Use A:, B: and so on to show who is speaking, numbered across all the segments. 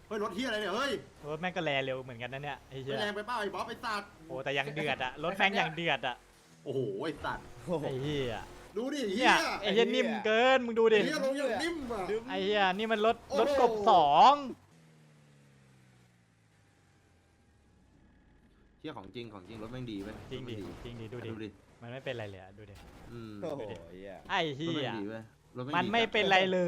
A: เฮ้ยรถเฮียอะไรเนี่ยเฮ้ย
B: รถแม่งก็แลเร็วเหมือนกันนะเนี่ยไอ้เหี้ย
A: แรงไปเปล่าไอ้บ๊อบไอ้สัตว์
B: โอ้แต่ยังเดือดอะรถแม่งยังเดือดอะ
A: โอ้โหไอ้สัตว์
B: ไอ้เหี้ย
A: ดูดิเฮี
B: เนี่ย ยไอ้เหี้ยนิ่มเกินมึงดูดิ
A: เฮียลงอย่างนิ่มอ่ะ
B: ไอ้เหี้ยนี่มันรถ
A: โอ้โห
B: รถกบสอง
A: เฮียของจริงรถแม่งดีไหม
B: จริงดิจริงดิดูดิ
A: ดูดิ
B: มันไม่เป็นไรเลยอะดูดิ
C: โอ้โหเหี้ย
B: ไอ้เหี้
A: รถ
B: ย
A: แม่งดีเว้ยรถแง
B: มัน
A: ดี
B: ไม่
A: จัด
B: เป็นไรเลย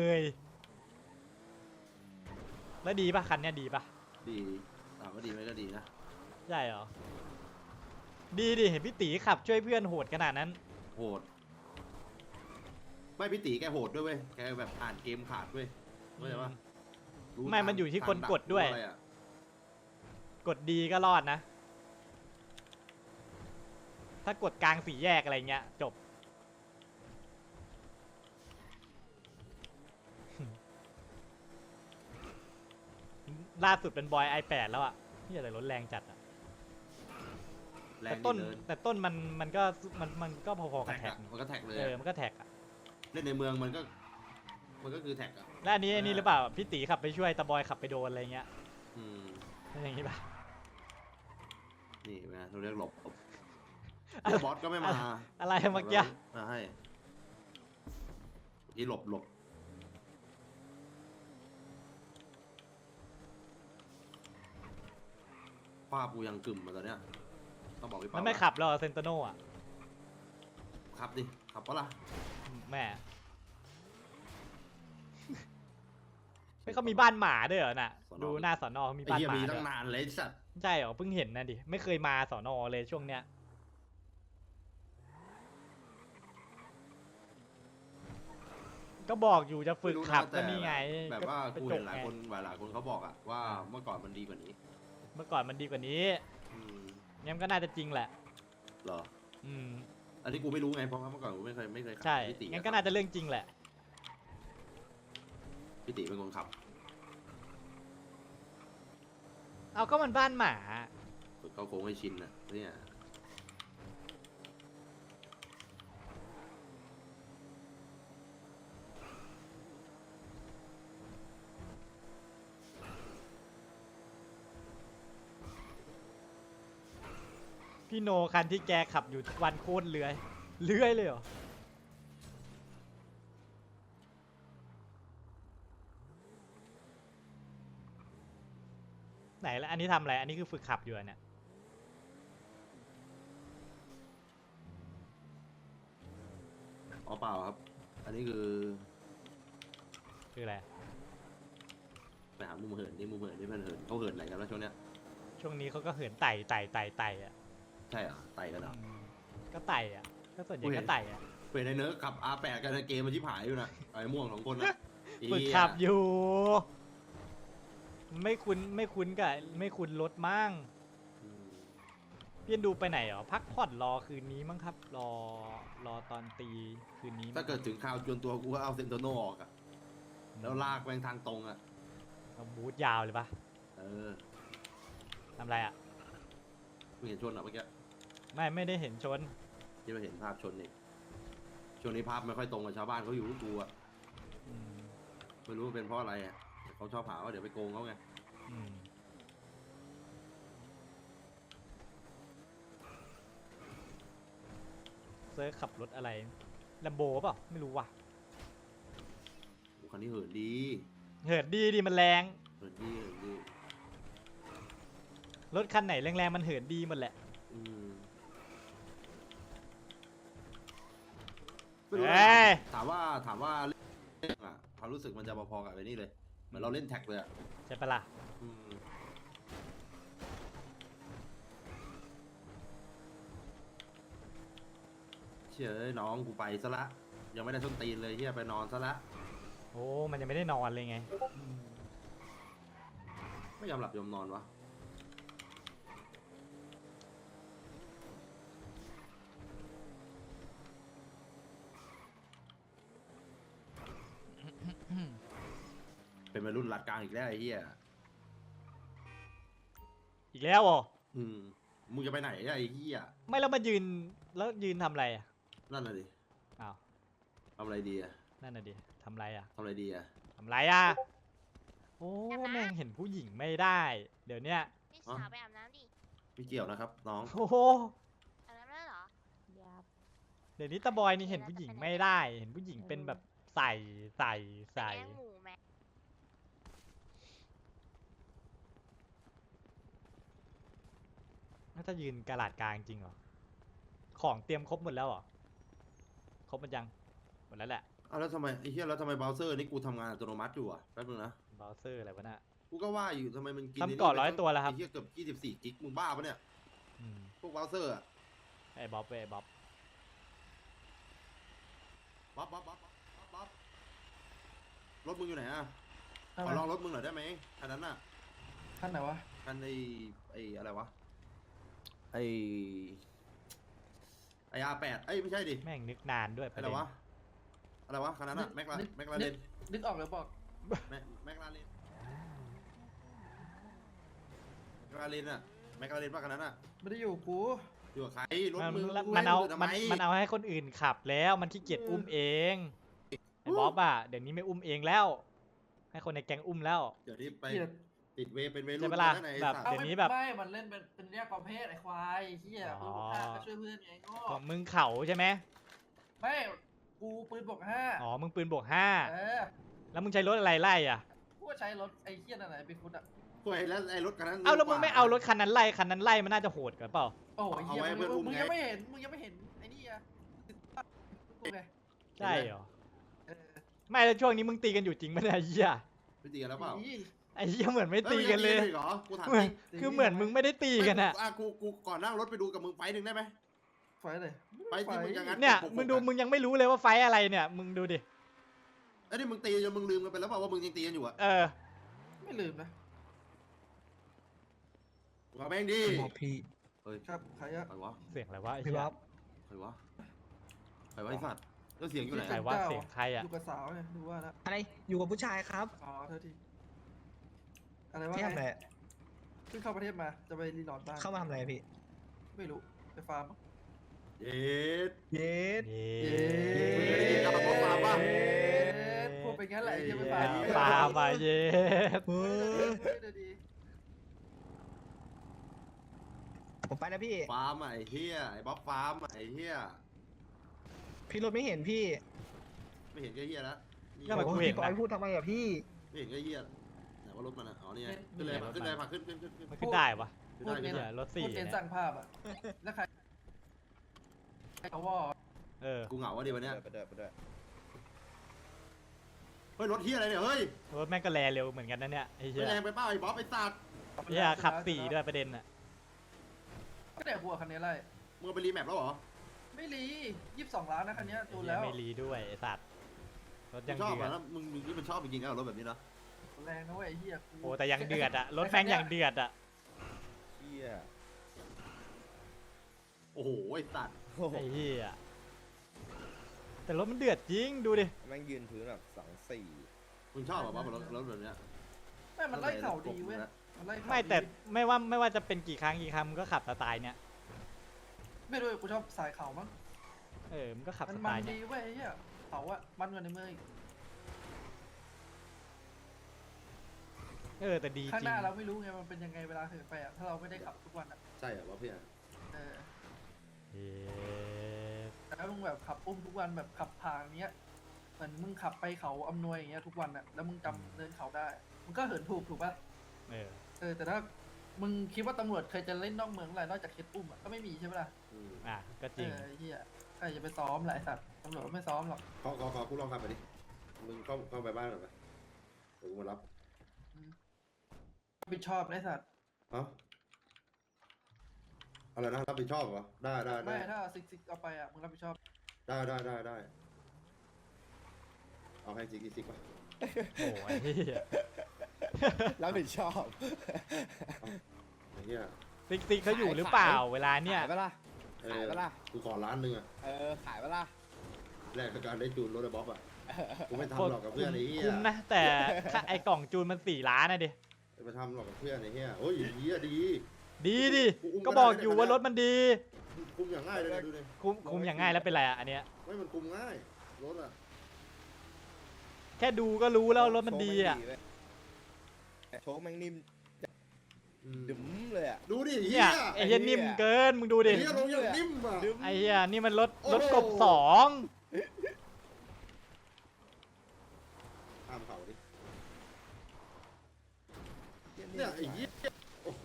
B: แล้วดีป่ะคันเนี้ยดีป่ะ
A: ดีถามว่าดีไหมก็ดีนะ
B: ใช่เหรอดีดิเห็นพี่ตีขับช่วยเพื่อนโหดขนาดนั้น
A: โหดไม่พี่ตีแกโหดด้วยเว้ยแกแบบอ่านเกมขาดเว้ยเข้าใจปะรู้
B: ไม่มันอยู่ที่คนกดด้วย
A: รู้อะไรอะ
B: กดดีก็รอดนะ ถ้ากดกลางสี่แยกอะไรเงี้ยจบ ล่าสุดเป็นบอย i8 แล้วอะที่อะไรรถแรงจัดอะ
A: แร
B: แต่
A: ง
B: ต้น
A: ดีเลย
B: แต่ต้นมันก็พอๆกับ
A: แท็ก
B: แท็ก
A: อะมันก็แท็กเลย
B: มันก็แท็กอะ
A: เล่นในเมืองมันก็คือแท็กอะ
B: แล้วอันนี้หรือเปล่าพี่ตีขับไปช่วยตาบอยขับไปโดนอะไรเงี้ย
A: อืม
B: เป็นอย่างนี้ป่ะ
A: นี่เป็นไงเราเรียกหลบเดี๋ยวบอสก็ไม่มา
B: อะไรเมื่อกี้
A: มาให้ที่หลบภาพกูยังกึ่มมาตอนเนี้ยต้องบอกพี่
B: มั
A: เปาน
B: ไม่ขับหรอกเซนโตโน่อะ
A: ขับดิขับปะล่ะ
B: แม่ ไม่เขามีบ้านหมาด้วยเหรอน่ะ ดูหน้าสอนอเขามี
A: ไอ้
B: บ้าน
A: เหี้ย
B: หมา
A: มี
B: ด้
A: ตั้
B: วย
A: งนานเลยไอ้สัตว์
B: ใช่เหรอเพิ่งเห็นนะดิไม่เคยมาสอนอเลยช่วงเนี้ยก็บอกอยู่จะฝึกขับก็นี่ไง
A: แบบว่า
B: ก็
A: กู
B: จ
A: เห็
B: บ
A: นหลาย
B: ไง
A: คนเขาบอกอะว่าเมื่อก่อนมันดีกว่านี้
B: เมื่อก่อนมันดีกว่านี้
A: อืม
B: งั้นก็น่าจะจริงแหละ
A: เหรอ
B: อืม
A: อันนี้กูไม่รู้ไงเพราะว่าเมื่อก่อนกูไม่เคยขับ
B: ใช่
A: พี่ติ
B: งั้นก็น่าจะเรื่องจริงแหละ
A: พี่ติเป็นคนขับ
B: เอาก็มันบ้านหมา
A: ฝึกเขาโค้งให้ชินนะเนี่ย
B: พี่โนคันที่แกขับอยู่ทุกวันโคตรเลื้อยเลยเหรอไหนแล้วอันนี้ทำอะไรอันนี้คือฝึกขับอยู่อะเนี่ย
A: อ๋อเปล่าครับ อันนี้คือ
B: คืออะไร
A: ไปหามุมเหินนี่มุมเหินนี่มันเหินเขาเหินไหนกันแล้วช่วงเนี้ย
B: ช่วงนี้เขาก็เหินไต่อ่ะ
A: ใช่เหรอไต่กันเหรอ
B: ก็ไต่อ่ะก็ส่วนใหญ่ก็ไต่อ่ะ
A: เป็นในเนื้อขับ R8 กันในเกมมันชิบหายอยู่นะไอ้ม่วง2 คนนะ
B: ฝึกขับอยู่ ไม่คุ้นรถมั่ง
A: อืม
B: พี่ดูไปไหนเหรอพักผ่อนรอคืนนี้มั้งครับ รอตอนตีคืนนี้มั้ง
A: ถ้าเกิดถึงข่าวจนตัวกูก็เอาเซนโตโนออกอะแล้วลากแม่งทางตรงอะ
B: เอาบูทยาวเลยปะ
A: เออ
B: ทำอะไรอ่ะ
A: ไม่เห็นชนอะเมื่อกี้
B: ไม่ได้เห็นชน
A: ที่มาเห็นภาพชนนี่ช่วงนี้ภาพไม่ค่อยตรงกับชาวบ้านเขาอยู่ทุกตัว
B: อืม
A: ไม่รู้ว่าเป็นเพราะอะไรอะแต่เขาชอบหาว่าเดี๋ยวไปโกงเขาไง
B: อืมเซิร์ฟขับรถอะไรแลมโบเปล่าไม่รู้ว่ะ
A: โอ้คันนี้เหินดี
B: เหินดีดิมันแรง
A: เหินดี
B: รถคันไหนแรงๆมันเหินดีหมดแหละ
A: อืมไม่รู้
B: เอ้ย
A: ถามว่าเล่นอะความรู้สึกมันจะพอๆกับไอ้นี่เลยเหมือนเราเล่นแท็กเลยอะ
B: ใช่ปะล่ะ
A: อืมเชื่อเอ้ยน้องกูไปซะละยังไม่ได้ส้นตีนเลยเฮียไปนอนซะละ
B: โอ้มันยังไม่ได้นอนเลยไง
A: ไม่ยอมหลับยอมนอนวะเป็นวัยรุ่นหลัดกลางอีกแล้วไอ้เหี้ย
B: อีกแล้วเหรอ
A: อืมมึงจะไปไหนอะไอ้เหี้ย
B: ไม่แล้วมายืนทำอะไรอ่ะ
A: นั่นน่ะดิ
B: อ้าว
A: ทำอะไรดีอะ
B: นั่นน่ะดิทำอะไรอ่ะ
A: ทำอะไรดีอะ
B: ทำไรอ่ะโอ้แม่งเห็นผู้หญิงไม่ได้ เดี๋ยวเนี้ย
C: พี่สาวไปอาบน้ำดิ
A: ไม่เกี่ยวนะครับน้อง
B: โอ้โห
C: อาบน้ำแล้วเหรอ
D: ยับ
B: เดี๋ยวนี้ตาบอยนี่เห็นผู้หญิงไม่ได้ เห็นผู้หญิงเป็นแบบใส่
C: ไป
B: ใส่
C: แย่งหมูแม่
B: น่าจะยืนกะลาดกลางจริงเหรอ ของเตรียมครบหมดแล้วเหรอ ครบหมดยัง หมดแล้วแหละ
A: เอาแล้วทำไมไอ้เหี้ยแล้วทำไมเบราว์เซอร์นี่กูทำงานอัตโนมัติอยู่อ่ะแป๊บนึงนะ
B: เบราว์เซอร์อะไรวะน่ะ
A: กูก็ว่าอยู่ทำไมมันกิน
B: ทำก่อน
A: ไนี่
B: 100ตัวแล้วครับ
A: ไอ้เหี้ยเกือบ24 กิกมึงบ้าปะเนี่ย
B: อืม
A: พวกเบราว์เซอร์อะ
B: ไอ้บ๊อบเว้ยบ๊อบ
A: บ๊อบรถมึงอยู่ไหนอ่ะขอลองรถมึงหน่อยได้ไหมคันนั้นน่ะ
E: ท่านไหนวะ
A: คันไอ้อะไรวะไอ้ R8เอ้ยไม่ใช่ดิ
B: แม่งนึกนานด้วยป
A: อะ
B: ระ
A: ไร
B: เด็น
A: วะอะไรวะคันนั้นอะแม็กลาเรน
E: นึกออกเลยบอก
A: แม็กลาเรนอะแม็กลาเรนป่ะคันนั้นอะ
E: ไม่ได้อยู่กู
A: อยู่กับใครรถ
B: มัน
A: มึง
B: มันเอา
A: ทำไม
B: มันเอาให้คนอื่นขับแล้ว มันขี้เกียจอุ้มเอง ไอ้บ๊อบอ่ะ เดี๋ยวนี้ไม่อุ้มเองแล้ว ให้คนในแก๊งอุ้มแล้ว
A: เดี๋ยวนี้ไป
E: เกลียด
A: ติดเวย์เป็นเวย์
B: ใช่
A: รุ่น
B: ปะล่ะ
A: นั่นไอ้
B: แบบ
A: สัตว์
B: เดี๋ยวนี้แบบ
E: ไม่มันเล่นเป็นแยกประเภทไอ้ควายเฮีย
B: อ๋
E: ปื
B: อ
E: นบวกห้าก็ช่วยเพื่อนไงโง่
B: ของมึงเข่าใช่ไหม
E: ไม่กูปืนบวกห้า
B: อ๋อ มึงปืนบวกห้า
E: เออ
B: แล้วมึงใช้รถอะไรไล่อ่ะ
E: กูก็ใช้รถไอ้เฮียนั่นไหนไปฟุตอ่ะ
A: ห่วยแล้วไอ้รถคันนั้น
B: เอ้าแล้วมึงไม่เอารถคันนั้นไล่ คันนั้นไล่มันน่าจะโหดกว่าเปล่า
E: โอ้ยเฮีย
A: เอาไว้เพื่อนอุ้ม
E: มึง
A: ไง
E: ยังไม่เห็นไอ้นี่อ่ะกูไง
B: ใช่เหรอ
E: เออ
B: ไม่แล้วช่วงนี้มึงตีกันอยู่จริงไหมเนี่ยไอ้เหี้ย
A: ไม่ตีกันแล้วเปล่า
E: อี
B: ไอ้เหี้ยเหมือนไม่ตีกันเลย
A: อ้มึงงตีอีกเหรอกูถาม
B: เหมือน
A: จริง
B: คือเหมือนมึงไม่ได้ตีกันอะ
A: กูก่อนนั่งรถไปดูกับมึงไฟท์หนึ่งได้ไหม
E: ไฟเลย
A: ไปที่มึงอย่างนั้น
B: เนี่ย มึงดูมึงยังไม่รู้เลยว่าไฟท์อะไรเนี่ย มึงดูดิ
A: ไอ้นี่มึงตีจนมึงลืมกันไปแล้วเปล่าว่ามึงยังตีกันอยู่อะ
B: เออ
E: ไม่ลืมนะ
A: ว่าแม่งดิ
F: บอกพี่
A: เฮ้ย
E: ครับใครอะ
A: ใครวะ
B: เสียงอะไรวะไอ้
F: พี่
B: เหี้ย
F: บ๊อบ
A: ใครวะใครวะไอ้สัตว์แล้วเสียงอยู่ไหน
B: ใครวะเสียงใครอะ
E: อยู่กับสาวเนี่ยดูว่านะ
F: อะไรอยู่กับผู้ชายครับ
E: อ๋อเท่าทีอะไรวะ
F: ที่ทำอะไร
E: เพิ่งเข้าประเทศมาจะไปรีนอนบ้าน
F: เข้ามาทำอะไรพี่
E: ไม่รู้ไปฟาร์ม
A: เย็ด
F: เย็ด
B: เย้
A: กลับมาพบฟาร์มป่ะ
E: พูดไปงั้นแหละไอ้เหี้ยไปฟาร์ม
B: ปลามาเย็ด
F: เฮ้ย
E: เดี๋ยวดี
F: ผมไปแล้วพี่
A: ฟาร์มอะไอ้เหี้ยไอ้บ๊อบฟาร์มอะไอ้เหี้ย
F: พี่รถไม่เห็นพี่
A: ไม่เห็นก็เหี้ยแล้วนี่
B: ก็มา
F: โอ้
B: กู
F: โห
B: เห็น
F: พี่บอ
B: นะ
F: ยพูดทำไมอะพี่
A: ไม่เห็นก็เหี้ยไหนว่ารถมันอะอ๋อนี่ไงขึ้นเลยขึ้นเลยพาขึ้น
B: มันขึ้นได้ปะ
A: ขึ้น
E: พูด
A: ได้
E: เน้
A: ขึ้
E: น
A: นได้
B: รถสี่
E: พูดเน้น
B: เนี่ย
E: สั่งภาพอ่ะแล้วใครเขาว่า
B: เออ
A: กูเหงาวะดิวันเนี้ย
G: ไปด้วยไปด้วย
A: เฮ้ยรถเหี้ยอะไรเนี่ยเฮ้ย
B: รถแม่งก็แลเร็วเหมือนกันนะเนี่ยไอ้เหี้
A: ไม่
B: ย
A: แรงไปเปล่าไอ้บ๊อบไอ้สัตว์
B: เหี้ยขับสี่ด้วยประเด็นอะ
E: ก็แต่หัวคันนี้ไร
A: มึงเอาไปรีแมปแล้วเหรอ
E: ไม่รี22 ล้านนะคันนี้
B: ไอ้
E: ตูน
B: เหี้ย
E: แล้ว
B: ไม่รีด้วยไอ้สัตว์รถ
A: มึ
B: ยัง ง
A: ชอบ
B: เดือ
A: อ่ะ
B: ด
A: แล้วมึงนี่มันชอบจริงๆนะรถแบบนี้นะ
E: แรงนะเว้ยไอ้เหี้ย
B: โอ้แต่ยังเดือดอะรถแม่งยังเดือดอะ
G: เชี่ย
A: โอ้โหไอ้สัตว์
G: โอ้โห
B: ไอ้เหี้ยแต่รถมันเดือดจริงดูดิ
G: แม่งยืนพื้นแบบ2-4
A: มึงชอบอ่ะบ๊อบรถแบบเนี้ย
E: ไม่มันไล่เข่าดีเว้ยมันไล่เข่า
B: ไม่แต่
E: ดี
B: ไม่ว่าจะเป็นกี่ครั้งมึงก็ขับสไตล์เนี้ย
E: ไม่รู้กูชอบสายเข่ามั้ง
B: เออมึงก็ขับ
E: มั
B: ส
E: น
B: ไต
E: มัน
B: ล์เนี้
E: ดี
B: ย
E: เว้ยไอ้เหี้ยเขาอะมันกว่าในเมืองอีก
B: เออแต่ดี
E: ข้าง
B: จริ
E: ห
B: ง
E: น้าเราไม่รู้ไงมันเป็นยังไงเวลาเหินไปอะถ้าเราไม่ได้ขับทุกวันอะ
A: ใช่เหรอวะพี่อ่ะ
E: เออ
B: เย้
E: แต่ถ้ามึงแบบขับอุ้มทุกวันแบบขับทางเนี้ยเหมือนมึงขับไปเขาอำนวยอย่างเงี้ยทุกวันอะแล้วมึงจำเดินเขาได้มึงก็เหินถูกป่ะ
B: เออ
E: เออแต่ถ้ามึงคิดว่าตำรวจเคยจะเล่นนอกเมืองอะไรนอกจากเคสอุ้มอะก็ไม่มีใช่ไหมล่ะ
A: อืม
B: อ่ะก็จริง
E: ไอ้เหี้ยใครจะไปซ้อมหลายสัตว์ตำรวจไม่ซ้อมหรอก
A: ขอกูลองขับไปดิมึงเข้าไปบ้านหน่อยไปเดี๋ยวกูมารับ
E: รับผิดชอบไอ้สัตว์
A: เอ้าอะไรนะรับผิดชอบเหรอได้ได้
E: ไม่
A: ได้
E: ถ้าซิกเอาไปอะมึงรับผิดชอบ
A: ได้เอาให้ซิกป่ะ
B: โอ้ยเหี้ย
G: รับผิดชอบ
A: ไอ้เหี้ย
B: ติ๊กเขาอยู่หรือเปล่าเวลาเนี่ย
G: ขายปะล่ะ
A: เอ
G: ขาย
A: อ
G: ปะล่ะ
A: กูขอล้านหนึ่งอ่ะ
G: ขายปะล่ะ
A: แลกกับการได้จูนรถไอ้บ๊อบอ่ะกูไม่ทำหรอกกับเพื่อนไอ้เหี้ย
B: คุ้มนะ แต่ค่าไอ้กล่องจูนมัน4 ล้านนะดิ
A: ไปทำหรอกกับเพื่อนไอ้เหี้ยโอ้ยเหี้ยดี
B: ดีดิ
A: กูอุ้ม
B: ก็บอก
A: ก็ได้
B: อยู่ว่ารถมันดี
A: คุมอย่างง่ายเลยนะดูดิ
B: คุมอย่างง่ายแล้วเป็นไรอ่ะอันเนี้ย
A: ไม่มันคุมง่ายรถอ่ะ
B: แค่ดูก็รู้แล้วรถมันดีอ่ะ
G: โชว์ไม่เว้ยโชคแม่งนิ่ม
A: อืม
G: ดึ๋มเลยอ่ะ
A: ดูดิ
B: เนี่ยไอ้เหี้ยนิ่มเกินมึงดูดิ
A: เฮียลงอย่างนิ่มอ่ะ
G: ดึ๋ม
B: ไอ้เหี้ยนี่มันรถ
A: โอ้โห
B: รถกบสอง
A: ข้ามเขาดิเนี่ยไอ้เหี้ยโอ้โห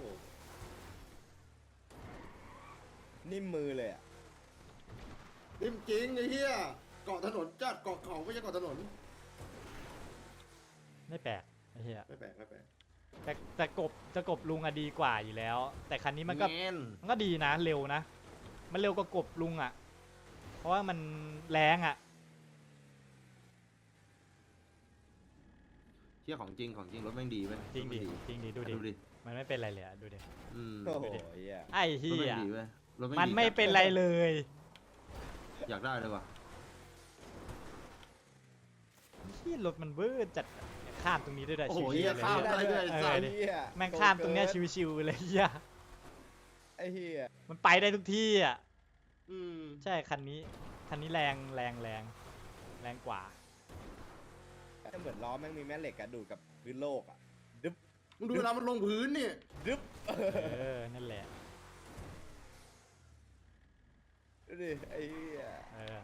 G: นิ่มมือเลยอ่ะ
A: นิ่มจริงไอ้เหี้ยเกาะถนนจัดเกาะเขาไม่ใช่เกาะถนน
B: ไม่แปลกไอ้เหี้ย
A: ไม่แปลกไม่แปลก
B: แต่กบลุงอะดีกว่าอยู่แล้ว แต่คันนี้มันก็
A: แง่น
B: มันก็ดีนะเร็วนะ มันเร็วกว่ากบลุงอะเพราะว่ามันแรงอะ
A: เที่ยของจริงของจริงรถแม่งดีไหม
B: จริงดิจริงดิดูดิ
A: ดูดิ
B: มันไม่เป็นไรเลยอะดูดิ
A: อืม
G: โอ้โห
B: ดูดิ
G: เหี้ย
B: ไอ้
A: รถ
B: เหี้
A: แม่
B: ย
A: งดีเว้ยรถแง
B: มัน
A: ดี
B: ไม่
A: จัด
B: เป็นไรเลย
A: อยากได้เลยว่ะ
B: เหี้ยรถมันเบ้อจัดข้ามตรงนี้ด้วยได้
A: โอ้โห
B: ชิว
A: เหี้ย
B: ๆเลย
A: ข้าม
B: เหี้ย
A: ได้ด้วย
B: เออ
A: ไอ้สัตว์
B: ดิ
G: เหี้ย
B: แม่งข้ามตรงเนี้ยชิวๆเลยเหี้ย
G: ไอ้เหี้ย
B: มันไปได้ทุกที่อะ
A: อืม
B: ใช่คันนี้แรงกว่า
G: เหมือนล้อแม่งมีแม่เหล็กอะดูดกับพื้นโลกอะดึ๊บ
A: มึงดูเวลามันลงพื้นเนี่ย
G: ดึ๊บ
B: เออนั่นแหละ
G: ดูดิไอ้เหี้ย
B: เออ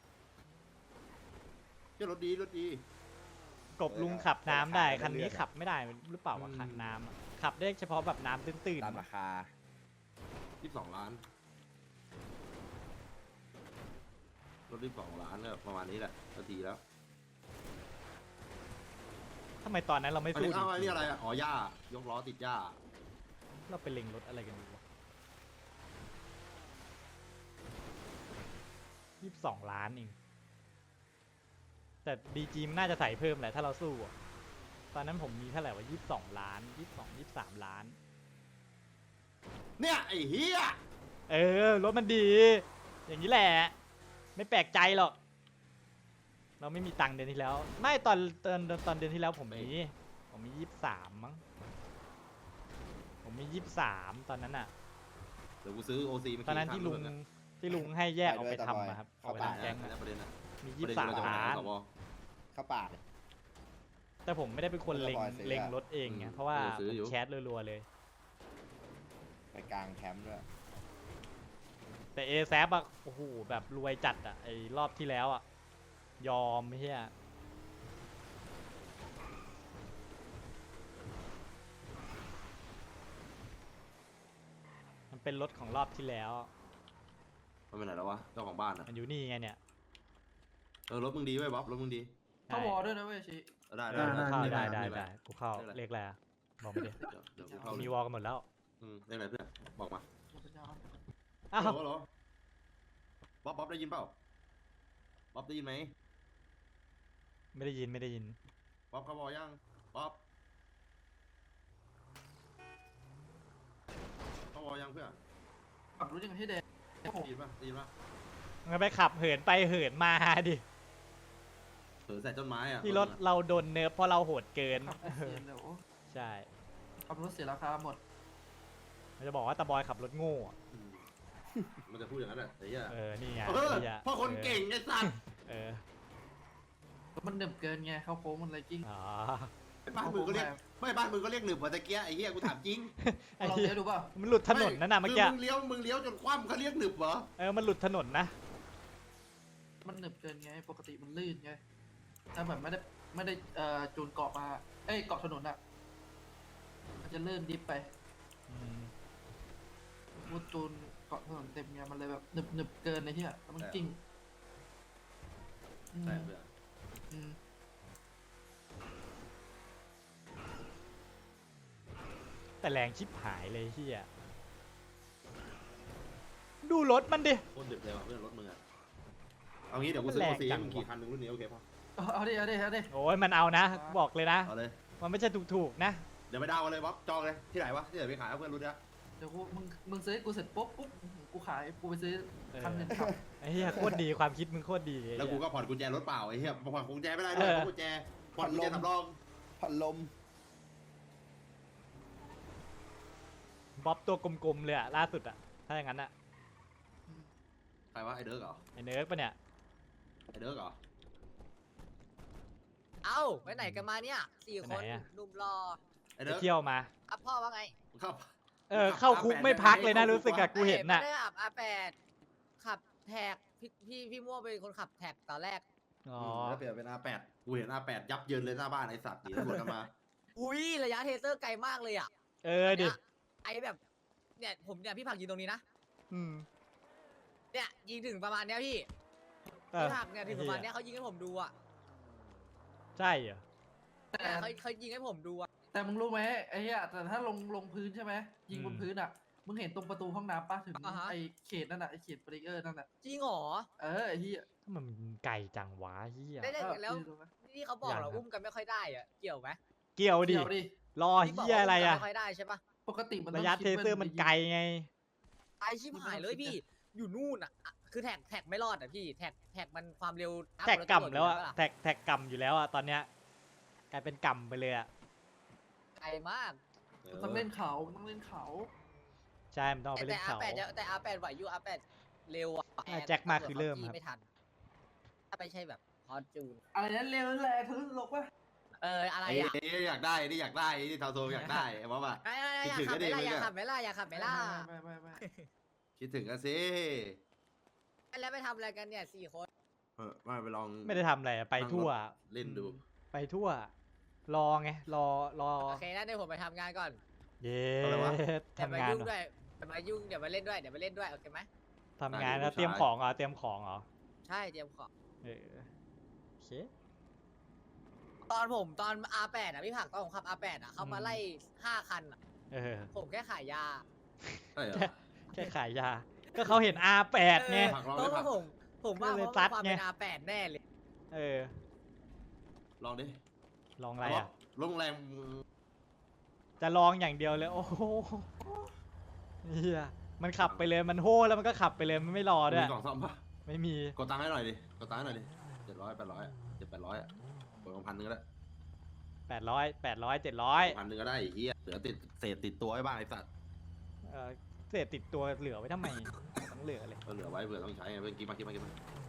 A: เที่ยรถดีรถดี
B: กบลุงขับน้ำได้คันนี้ขับไม่ได้หรือเปล่าวะคันน้ำอะขับได้เฉพาะแบบน้ำตื้น
G: ตามราคา
A: 22 ล้านรถ22 ล้านเนี่ยประมาณนี้แหละนาทีแล้ว
B: ๆทำไมตอนนั้นเราไม่
A: อัน
B: สู้
A: นี้
B: จ
A: อ้าวอัน
B: ริ
A: นี้
B: ง
A: อะไรอ่ะอ๋อหญ้ายกล้อติดหญ้า
B: ๆเราไปเล็งรถอะไรกันดีวะ22 ล้านเองแต่ดีจีมันน่าจะใส่เพิ่มแหละถ้าเราสู้อะตอนนั้นผมมีเท่าไหร่วะ22 ล้าน23 ล้าน
A: เนี่ยไอ้เหี้ย
B: เออรถมันดี อย่างนี้แหละ ไม่แปลกใจหรอก เราไม่มีตังค์เดือนที่แล้ว ไม่ตอนเดือนที่แล้วผมมี23มั้งผมมี23ตอนนั้นอ่ะ
A: เดี๋ยวกูซื้อโอซีมา
B: ตอนนั้นที่ลุงให้แยกเอาไปทำอะครับเอาไป
A: แก๊
B: ทำแก๊ง
A: ง
B: อะ
A: นะประเด็นอ่ะ
B: มี
A: ประเด็นเราจะ
B: 23
A: ไปไหน
B: ล้าน
A: สว
G: เข้าป่า
B: แต่ผมไม่ได้เป็นคนเล็ง
G: แล้วก็บอยซื้อ
B: เล็งรถเองไง
A: อืม
B: เพราะว่า
A: ซื้ออยู่
B: ผมแคสรัวๆเลย
G: ไปกลางแคมป์ด้วย
B: แต่เอแซฟอะโอ้โหแบบรวยจัดอะไอรอบที่แล้วอะยอมไม่ใช่ยมันเป็นรถของรอบที่แล้ว
A: มันไปไหนแล้ววะเจ้าของบ้านอ่ะ
B: มันอยู่นี่ไงเนี่ย
A: รถมึงดีไว้ยบ๊อบรถมึงดี
E: เข้าวอลด้วยนะเว้ยชิ
A: ได้
B: เข้า
A: เลข
B: ได้
A: อะร
B: ได้กูเข้า
A: เลขอะไร
B: เลขอะไรอะบอกมาดิ
A: เดี๋ยวกูเข้า
B: มี
A: เลยว
B: อลกันหมดแล้ว
A: เลขอะไรเพื่อนบอกมา
B: อ้าว
A: เหรอบ๊อบได้ยินเปล่าบ๊อบได้ยินไหม
B: ไม่ได้ยินไม่ได้ยิน
A: บ๊อบเขาบอกยังบ๊อบเขาบอกยังเพื่อน
E: ขับรถยังให้แดง
A: ได้ยินป่ะได้ยินป่ะ
B: งั้นไปขับเหินไปเหินมาดิ
A: เผลอใส่ต้นไม้อ่ะ
B: ที่รถเราโดนเนิร์ฟเพราะเราโหดเกิน
E: ขับรถเสียเดี๋ยว
B: ใช่
E: ขับรถเสียราคาหมด
B: มันจะบอกว่าตาบอยขับรถโง่อะ
A: อืมมันจะพูดอย่างนั้นแหละไอ้เหี้ย
B: นี่ไง
A: เออ
B: นี่ไง
A: พ่อคนเก่งไอ้สัตว์
B: เออ
E: มันเดิมเกินไงเข้าโค้งมันอะไรกิ้ง
B: อ๋อ
A: บ้านมึงก็เรียกไม่บ้านมึงก็เรียกหนึบกว่าตะเกียไอ้เหี้ยกูถามจริง
B: ไอ้
E: ลอง
B: เหี้ย
E: เลี้ยวดูเปล่า
B: มันหลุดถนนนั่นน่ะเมื่อกี้
A: คือมึงเลี้ยวจนคว่ำเขาเรียกหนึบเหรอ
B: มันหลุดถนนนะ
E: มันเดิมเกินไงปกติมันลื่นไงถ้าแบบไม่ได้จูนเกาะมาเกาะถนนอะมันจะลื่นดิฟไป
B: อืม
E: มูจูนเกาะถนนเต็มไงมันเลยแบบหนึบเกินในที่อะแล้วมันกิ้งอืม
A: ใช่เพื่อน
E: อืม
B: แต่แรงชิบหายเลยเฮียดูรถมันดิ
A: โคตรดึกเลยว่ะเพื่อนรถมึงอะเอางี้เดี๋ยวกูซื้อ
B: แรง
A: โอซี
B: จั
A: ให้
B: ง
A: มึงขี่
B: วะ
A: คันหนึงรุ่นนี้โอเคป่ะ
E: เอาดิ
B: โอ้ยมันเอานะ บอกเลยนะ
A: เอาเลย
B: มันไม่ใช่ถูกๆนะ
A: เดี๋ยวไปดาวน์กันเลยบ๊อบจองเลยที่ไหนวะที่ไหนไปขายเอาเพื่อนรู้นะ
E: เดี๋ยวมึงซื้อให้กูเสร็จปุ๊บกูขายกูไปซื้อคันหนึ่งขับ
B: ไอ้เฮียโคตรดีความคิดมึงโคตรดีไอ้
A: แล้ว
B: เหี้
A: กู
B: ย
A: ก็ผ่อนกุญแจรถเปล่าไอ้เหี้ยผ่อนกุญแจไม่ได้ด้วยกุญแจผ่อนกุญแจสำรอง
G: พัดลม
B: บ๊อบตัวกลมๆเลยอะล่าสุดอะถ้าอย่างนั้นอะ
A: ใครวะไอเดิร์กเหรอ
B: ไอ้เนิร์กปะเนี่ย
A: ไอเดิร์กเหรอ
D: เอ้าไปไหนกันมาเนี่ยสี่
B: ไป
D: ค
B: ไหน
D: น
B: อะ
D: หนุ่มรอ
A: ไอ้
B: ไป
A: เด้อ
B: เที่ยวมา
D: อ่ะพ่อว่าไง
A: ครับ
B: เข้าคุกไม่พักเลยนะรู้สึกอะกูเห็นน่ะ
D: ไม่ได้ขับ R8 ขับแท็กพี่ม่วงเป็นคนขับแท็กตอนแรก
B: อ๋อ
A: แล้วเปลี่ยนเป็น R8 กูเห็น R8 ยับเยินเลยหน้าบ้านไอ้สัตว์หนีตำรวจกันมา
D: อุ้ยระยะเทเซอร์ไกลมากเลยอ่ะ
B: ดิ
D: เนี่ยไอแบบเนี่ยผมเนี่ยพี่ผักยิงตรงนี้นะ
B: อืม
D: เนี่ยยิงถึงประมาณเนี้ยพี่
B: เออ
D: พี่ผักเนี่ยถึงประมาณเนี้ยเขายิงให้ผมดูอ่ะ
B: ใช่เหรอ
E: แต่
D: เขายิงให้ผมดูอ่ะ
E: แต่มึงรู้ไหมไอ้เหี้ยแต่ถ้าลงพื้นใช่ไหมยิงบนพื้นอ่ะมึงเห็นตรงประตูห้องน้ำปะถึงไอ้เขตนั่นน่ะไอ้เขตบริเออร์นั่นน่ะ
D: จริงเหรอ
E: ไอ้เหี้ย
B: ถ้ามันไก่จังวะเฮีย
D: ได้แล้ว
E: ยืนตรงนั้น
D: ที่เขาบอกเราอุ้มกันไม่ค่อยได้อ่ะเกี่ยวไหม
B: เกี่ยวดิ
E: เดี๋ยวดิ
B: รอ
D: ที่บก
B: เฮีย
D: ว่า
B: อะไร
D: มกั
B: อะ
D: ไม่ค่อยได้ใช่ปะ
E: ปกติมันต้
B: ระ
E: อง
B: ยะ
E: คิด
B: เทเซอร์มันไกลไง
D: ไอชิบหายเลยพี่ อยู่นู่นอ่ะ คือแท็กไม่รอดอ่ะพี่แท็กมันความเร็ว
B: แท็กกำแล้วอะ
D: ปะ
B: แท็กกำอยู่แล้วอะตอนเนี้ยกลายเป็นกำไปเลยอะ
D: ไกลมาก
E: มันต้องเล่นเขามันต้องเล่นเขา
B: ใช่มันต้องเอาไปเล่นเขา
D: แต่ R8 ไหวอยู่ R8 เร็วอ่ะ
B: แจ็คมาคือเริ่มครับ
D: ไม่ทัน ถ้าไม่ใช่แบบพอจูน
E: อะไรนั้นเร็วแรงทะลุโลกปะ
D: อะไร
A: ไอ้
D: อ่ะ
A: อยากได้นี่อยากได้นี่ทาวโซอยากได้ไอ้บ๊อบอะ
D: อยาก
A: คิดถึง
D: ขับ
A: ก็
D: ไห
A: ดี
D: มล่ะ
A: เหมื
D: อ
A: อนกัน
D: ยากขับไหมล่ะอยากขับไหมล่ะ
E: ไม่
A: คิดถึงกันสิ
D: แล้วไปทำอะไรกันเนี่ย4 คน
A: มาไปลอง
B: ไม่ได้ทำอะไรอะไปทั่ว
A: เล่นดู
B: ไปทั่ว รอไงรอ
D: โอเคนะเดี๋ยวผมไปทำงานก่อน
B: เย้
A: อะไรวะ
D: เดี๋ยว
B: ทำ
D: มาง
B: าน
D: ยุ่ง
B: เหรอ
D: ด้วยเดี๋ยวมายุ่งเดี๋ยวมาเล่นด้วยเดี๋ยวมาเล่นด้วยโอเคไหม
B: ทำงาน
A: ได้
B: แล้ว
A: ดู
B: เตรียม
A: ชาย
B: ของเหรอเตรียมของเหรอ
D: ใช่เตรียมของ
B: เออโอเค
D: ตอน R8 อ่ะพี่ผักตอนผมขับ R8 อ่ะเขามาไล่5 คันอ่ะ
B: เออ
D: ผมแค่ขายยา
A: ใช่เหรอ
B: แค่ขายยา ก็เขาเห็น R8 ไง
A: ผักลอง
D: เพ
A: ดิ
D: ราะ
A: ผั
D: ว่าก ผมว่า
B: ก็เลย
D: เพราะ
B: ซัด
D: ความ
B: ไง
D: เป็น R8 แน่เลย
B: เออ
A: ลองดิ
B: ลองอะไรอะ
A: โรงแรม
B: จะลองอย่างเดียวเลย โอ้โหเฮียมันขับไปเลยมันโห่แล้วมันก็ขับไปเลยมันไม่รอด้วย
A: มีกล่องซ่อมปะ
B: ไม่มี
A: กดตังค์ให้หน่อยดิกดตังค์ให้หน่อยดิ700 800 700 อ่ะกดมา1,000 นึงก็ได้
B: 800 700
A: 1,000 นึงก็ได้ไอ้เหี้ยเหลือติดเศษติดตัวไว้บ้างไอ้สัตว์
B: เศษติดตัวเหลือไว้ทำไมต้องเหลือเลย
A: ก็เหลือไว้เผื่อต้องใช้ไงเพื่อนกินมา